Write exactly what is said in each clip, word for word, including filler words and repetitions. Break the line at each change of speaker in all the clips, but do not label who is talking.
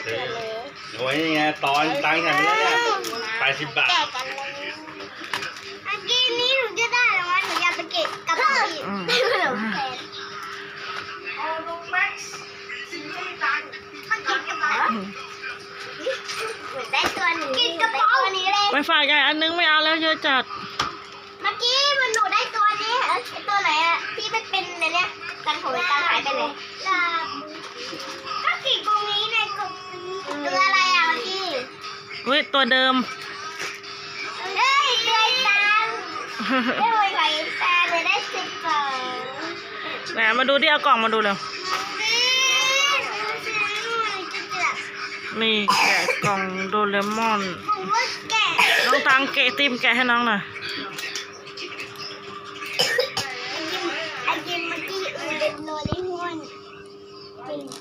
โอ้ยนี่ไงตอนตังค์ฉันไปแล้วเนี่ยแปดสิบบาท
แกะกันเลยเมื่อกี้นี้หนูจะได้แล้วว่าหนูอยากไปเก็บกระเป๋าอีกไม่เหลือแฟนเอาลงแม็กซ์ซื้อให้ตังค์มาเก็บกระเป๋าหนูได้ตัวนี้กินกระเป๋าตัวนี้เลย
ไปฝากยายอันนึงไม่เอาแล้วเยอะจัด
เมื่อกี้มันหนูได้ตัวนี้ไอ้ตัวไหนอะที่มันเป็นอะไรเนี่ยกันของตังหายไปเลยก็ขีดตรงนี้ในกลุ่มตัวอะไรอะเมื่อกี้
เฮ้ยตัวเดิม
เฮ้ยเดือยตังได้หวยไข่ตาเลยได้สิบสอง
ไหนมาดูดิเอากล่องมาดูเร็วนี่แกะกล่องโดเรมอน
ผมว่าแกะ
น้องตังแกะติมแกะให้น้องหน่อย
ไอจิมเมื่อกี้อือเด็ดโนริฮอนจริง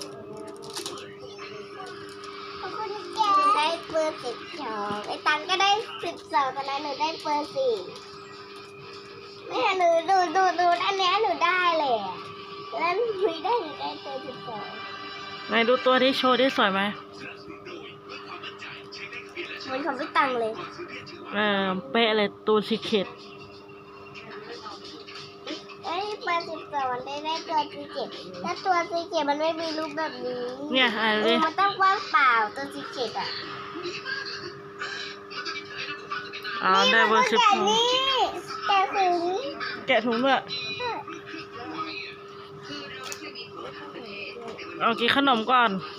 ขอบคุณแกได้เบอร์สิบสองไอตังก็ได้สิบสองตอนนั้นหนูได้เบอร์สี่ไม่เห็นหนูดูดูดูอันนี้หนูได้เลยแล้วหนูได้หนูได้เบอร์สิบสอง
ไหนดูตัวที่โชว์ที่สวยไหม
เหมือนของพี่ตังเลย
เออเป๊ะเลยตัวสีเข็ด
เอ้ยเบอร์สิบสองได้ได้ตัวซีเจ็ดถ้าตัวซีเจ็ดมันไม่มีรูปแบบนี้
เนี่ยอะไร
เอ
ดิ
อมันต้องว่างเปล่าตัวซีเจ็ดอ่ะ
อ๋อได้เบอร์สิบสอง
นี่แกะถึง
แกะถุงด้วยเอากินขนมก่อน